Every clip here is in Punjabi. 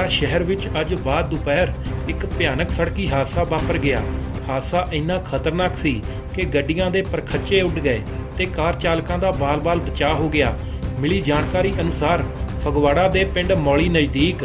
ਫਗਵਾੜਾ ਸ਼ਹਿਰ ਵਿੱਚ ਅੱਜ ਬਾਅਦ ਦੁਪਹਿਰ ਇੱਕ ਭਿਆਨਕ ਸੜਕੀ ਹਾਦਸਾ ਵਾਪਰ ਗਿਆ। ਹਾਦਸਾ ਇੰਨਾ ਖਤਰਨਾਕ ਸੀ ਕਿ ਗੱਡੀਆਂ ਦੇ ਪਰਖੱਚੇ ਉੱਡ ਗਏ ਤੇ ਕਾਰ ਚਾਲਕਾਂ ਦਾ ਬਾਲ-ਬਾਲ ਬਚਾਅ ਹੋ ਗਿਆ। ਮਿਲੀ ਜਾਣਕਾਰੀ ਅਨੁਸਾਰ ਫਗਵਾੜਾ ਦੇ ਪਿੰਡ ਮੌਲੀ ਨਜ਼ਦੀਕ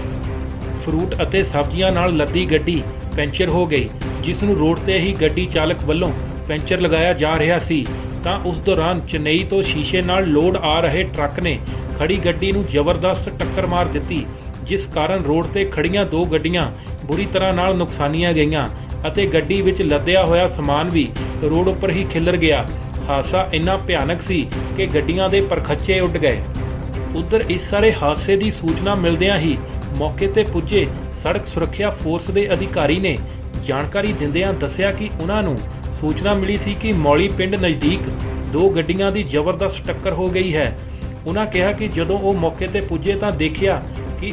ਫਰੂਟ ਅਤੇ ਸਬਜ਼ੀਆਂ ਨਾਲ ਲੱਦੀ ਗੱਡੀ ਪੈਂਚਰ ਹੋ ਗਈ, ਜਿਸ ਨੂੰ ਰੋਡ ਤੇ ਹੀ ਗੱਡੀ ਚਾਲਕ ਵੱਲੋਂ ਪੈਂਚਰ ਲਗਾਇਆ ਜਾ ਰਿਹਾ ਸੀ ਤਾਂ ਉਸ ਦੌਰਾਨ ਚੇਨਈ ਤੋਂ ਸ਼ੀਸ਼ੇ ਨਾਲ ਲੋਡ ਆ ਰਹੇ ਟਰੱਕ ਨੇ ਖੜੀ ਗੱਡੀ ਨੂੰ ਜ਼ਬਰਦਸਤ ਟੱਕਰ ਮਾਰ ਦਿੱਤੀ, ਜਿਸ ਕਾਰਨ ਰੋਡ ਤੇ ਖੜੀਆਂ ਦੋ ਗੱਡੀਆਂ ਬੁਰੀ ਤਰ੍ਹਾਂ ਨਾਲ ਨੁਕਸਾਨੀਆਂ ਗਈਆਂ ਅਤੇ ਗੱਡੀ ਵਿੱਚ ਲੱਦਿਆ ਹੋਇਆ ਸਮਾਨ ਵੀ ਰੋਡ ਉੱਪਰ ਹੀ ਖਿਲਰ ਗਿਆ। ਹਾਦਸਾ ਇੰਨਾ ਭਿਆਨਕ ਸੀ ਕਿ ਗੱਡੀਆਂ ਦੇ ਪਰਖੱਚੇ ਉੱਡ ਗਏ। ਉਧਰ ਇਸ ਸਾਰੇ ਹਾਦਸੇ ਦੀ ਸੂਚਨਾ ਮਿਲਦਿਆਂ ਹੀ ਮੌਕੇ ਤੇ ਪੁੱਜੇ ਸੜਕ ਸੁਰੱਖਿਆ ਫੋਰਸ ਦੇ ਅਧਿਕਾਰੀ ਨੇ ਜਾਣਕਾਰੀ ਦਿੰਦਿਆਂ ਦੱਸਿਆ ਕਿ ਉਹਨਾਂ ਨੂੰ ਸੂਚਨਾ ਮਿਲੀ ਸੀ ਕਿ ਮੌਲੀ ਪਿੰਡ ਨਜ਼ਦੀਕ ਦੋ ਗੱਡੀਆਂ ਦੀ ਜ਼ਬਰਦਸਤ ਟੱਕਰ ਹੋ ਗਈ ਹੈ। ਉਹਨਾਂ ਕਿਹਾ ਕਿ ਜਦੋਂ ਉਹ ਮੌਕੇ ਤੇ ਪੁੱਜੇ ਤਾਂ ਦੇਖਿਆ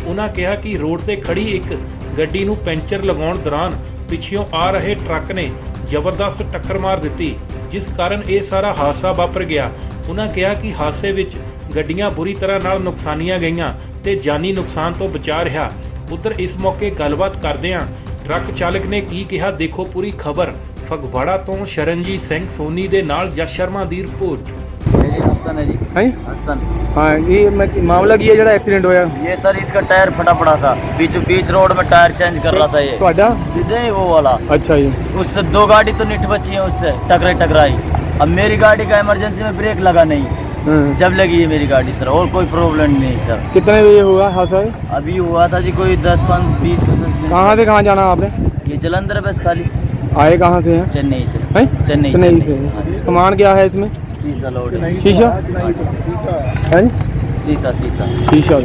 ਕਿ ਰੋਡ ਤੇ ਖੜੀ ਇੱਕ ਗੱਡੀ ਨੂੰ ਪੈਂਚਰ ਲਗਾਉਣ ਦੌਰਾਨ ਪਿੱਛੋਂ ਆ ਰਹੇ ਟਰੱਕ ਨੇ ਜ਼ਬਰਦਸਤ ਟੱਕਰ ਮਾਰ ਦਿੱਤੀ, ਜਿਸ ਕਾਰਨ ਇਹ ਸਾਰਾ ਹਾਦਸਾ ਵਾਪਰ ਗਿਆ। ਉਹਨਾਂ ਕਿਹਾ ਕਿ ਹਾਦਸੇ ਵਿੱਚ ਗੱਡੀਆਂ ਬੁਰੀ ਤਰ੍ਹਾਂ ਨਾਲ ਨੁਕਸਾਨੀਆਂ ਗਈਆਂ ਤੇ ਜਾਨੀ ਨੁਕਸਾਨ ਤੋਂ ਬਚਾ ਰਿਹਾ। ਉਧਰ ਇਸ ਮੌਕੇ ਗੱਲਬਾਤ ਕਰਦਿਆਂ ਟਰੱਕ ਚਾਲਕ ਨੇ ਕੀ ਕਿਹਾ, ਦੇਖੋ ਪੂਰੀ ਖਬਰ। ਫਗਵਾੜਾ ਤੋਂ ਸ਼ਰਨਜੀਤ ਸਿੰਘ ਸੋਨੀ ਦੇ ਨਾਲ ਜਸ ਸ਼ਰਮਾ ਦੀ ਰਿਪੋर्ट। हसन है जी। हसन। हाँ, ये मामला की है जरा एक्सीडेंट होया। ये सर इसका टायर फटा पड़ा था, बीच रोड में टायर चेंज कर रहा था ये। ਤੁਹਾਡਾ? नहीं वो वाला। अच्छा जी। उससे दो गाड़ी तो निठ बची है, उससे टकराई। अब मेरी गाड़ी का इमरजेंसी में ब्रेक लगा नहीं, जब लगी है मेरी गाड़ी सर, और कोई प्रॉब्लम नहीं सर। कितने बजे हुआ हादसा? अभी हुआ था जी कोई 10-20 मिनट। कहाँ से कहाँ जाना आपने? ये जलंधर बस खाली। आए कहाँ से हैं? चेन्नई से। हैं? चेन्नई से। सामान क्या है इसमें? शीशा लोड है। शीशा? हैं? शीशा शीशा।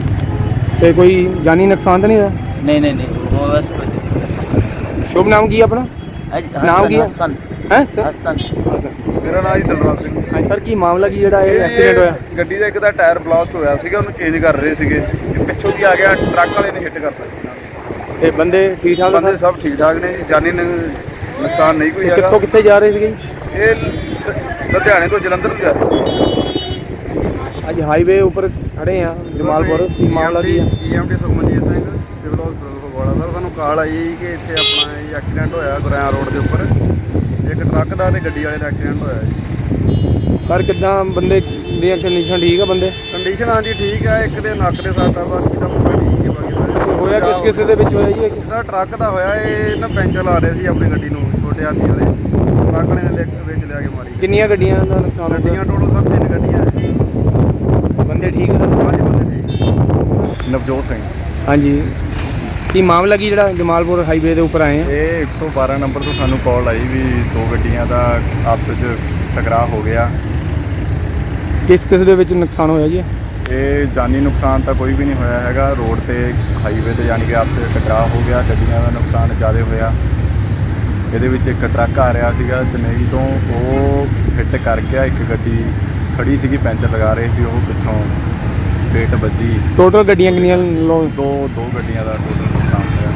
ਤੇ ਕੋਈ ਜਾਨੀ ਨੁਕਸਾਨ ਤਾਂ ਨਹੀਂ ਹੋਇਆ? नहीं वो बस कोई। ਸ਼ੁਭ ਨਾਮ ਕੀ ਹੈ ਆਪਣਾ? ਨਾਮ ਕੀ ਹੈ? हसन। ਹੈ हसन। ਮੇਰਾ ਨਾਮ ਜੀ ਦਲਰਾਜ ਸਿੰਘ। ਹਾਂ ਸਰ, ਕੀ ਮਾਮਲਾ ਕੀ ਜਿਹੜਾ ਇਹ ਐਕਸੀਡੈਂਟ ਹੋਇਆ? ਗੱਡੀ ਦਾ ਇੱਕ ਦਾ ਟਾਇਰ ਬਲਾਸਟ ਹੋਇਆ ਸੀਗਾ, ਉਹਨੂੰ ਚੇਂਜ ਕਰ ਰਹੇ ਸੀਗੇ, ਪਿੱਛੋਂ ਦੀ ਆ ਗਿਆ ਟਰੱਕ ਵਾਲੇ ਨੇ ਹਿੱਟ ਕਰਤਾ। ਤੇ ਬੰਦੇ ਠੀਕ ਠਾਕ ਬੰਦੇ ਸਭ ਠੀਕ ਠਾਕ ਨੇ, ਜਾਨੀ ਨੁਕਸਾਨ ਨਹੀਂ ਕੋਈ ਹੈਗਾ। ਕਿੱਥੋਂ ਕਿੱਥੇ ਜਾ ਰਹੇ ਸੀਗੇ? ਇਹ ਲੁਧਿਆਣੇ ਤੋਂ ਜਲੰਧਰ ਨੂੰ ਜਾ ਰਹੇ ਸੀ। ਅੱਜ ਹਾਈਵੇ ਉੱਪਰ ਖੜੇ ਆ ਜਮਾਲਪੁਰ, ਕੀ ਮਾਮਲਾ ਕੀ ਹੈ? ਈਐਮਟੀ ਸੁਖਮਨਜੀਤ ਸਿੰਘ, ਸਿਵਲ ਹਸਪਤਾਲ ਫਗਵਾੜਾ ਸਰ। ਸਾਨੂੰ ਕਾਲ ਆਈ ਕਿ ਇੱਥੇ ਆਪਣਾ ਇਹ ਐਕਸੀਡੈਂਟ ਹੋਇਆ ਗੁਰਿਆਂ ਰੋਡ ਦੇ ਉੱਪਰ, ਇੱਕ ਟਰੱਕ ਦਾ ਤੇ ਗੱਡੀ ਵਾਲੇ ਦਾ ਐਕਸੀਡੈਂਟ ਹੋਇਆ ਜੀ। ਸਰ ਕਿੱਦਾਂ ਬੰਦੇ ਦੀ ਕੰਡੀਸ਼ਨ ਠੀਕ ਆ? ਬੰਦੇ ਕੰਡੀਸ਼ਨ ਹਾਂਜੀ ਠੀਕ ਹੈ, ਇੱਕ ਦੇ ਨੱਕ ਦੇ ਸੱਟ ਆ, ਬਾਕੀ ਦਾ ਮੁੰਡਾ ਠੀਕ ਹੈ। ਬਾਕੀ ਹੋਇਆ ਕਿਸ ਦੇ ਵਿੱਚ ਹੋਇਆ ਜੀ? ਸਰ ਟਰੱਕ ਦਾ ਹੋਇਆ, ਇਹ ਨਾ ਪੈਂਚਰ ਲਾ ਰਹੇ ਸੀ ਆਪਣੀ ਗੱਡੀ ਨੂੰ, ਛੋਟੇ ਹਾਥੀ ਵਾਲੇ ਟਰੱਕ ਵਾਲੇ ਨੇ ਵਿੱਚ ਲਿਆ ਕੇ ਮਾਰੀ। ਕਿੰਨੀਆਂ ਗੱਡੀਆਂ ਦਾ ਨੁਕਸਾਨ ਗੱਡੀਆਂ ਟੋਟਲ ਸਰ 3 ਗੱਡੀਆਂ ਹੈ। ਬੰਦੇ ਠੀਕ ਆ? ਹਾਂਜੀ ਬੰਦੇ ਠੀਕ। ਨਵਜੋਤ ਸਿੰਘ। ਹਾਂਜੀ, ਕੀ ਮਾਮਲਾ ਕੀ ਜਿਹੜਾ ਜਮਾਲਪੁਰ ਹਾਈਵੇ ਦੇ ਉੱਪਰ ਆਏ ਆ? ਇਹ 112 ਨੰਬਰ ਤੋਂ ਸਾਨੂੰ ਕਾਲ ਆਈ ਵੀ ਦੋ ਗੱਡੀਆਂ ਦਾ ਆਪਸ ਵਿੱਚ ਟਕਰਾਅ ਹੋ ਗਿਆ। ਕਿਸ ਦੇ ਵਿੱਚ ਨੁਕਸਾਨ ਹੋਇਆ ਜੀ? ਇਹ ਜਾਨੀ ਨੁਕਸਾਨ ਤਾਂ ਕੋਈ ਵੀ ਨਹੀਂ ਹੋਇਆ ਹੈਗਾ, ਰੋਡ ਤੇ ਹਾਈਵੇ ਤੇ ਯਾਨੀ ਕਿ ਆਪਸ ਵਿੱਚ ਟਕਰਾਅ ਹੋ ਗਿਆ। ਗੱਡੀਆਂ ਦਾ ਨੁਕਸਾਨ ਜ਼ਿਆਦਾ ਹੋਇਆ। ਇਹਦੇ ਵਿੱਚ ਇੱਕ ਟਰੱਕ ਆ ਰਿਹਾ ਸੀਗਾ ਚੇਨਈ ਤੋਂ, ਉਹ ਹਿੱਟ ਕਰ ਗਿਆ। ਇੱਕ ਗੱਡੀ ਖੜੀ ਸੀਗੀ ਪੈਂਚਰ ਲਗਾ ਰਹੇ ਸੀ, ਉਹ ਪਿੱਛੋਂ ਪੇਟ ਵੱਜੀ। ਟੋਟਲ ਗੱਡੀਆਂ ਕਿੰਨੀਆਂ? ਦੋ ਗੱਡੀਆਂ ਦਾ ਟੋਟਲ ਨੁਕਸਾਨ ਹੋਇਆ।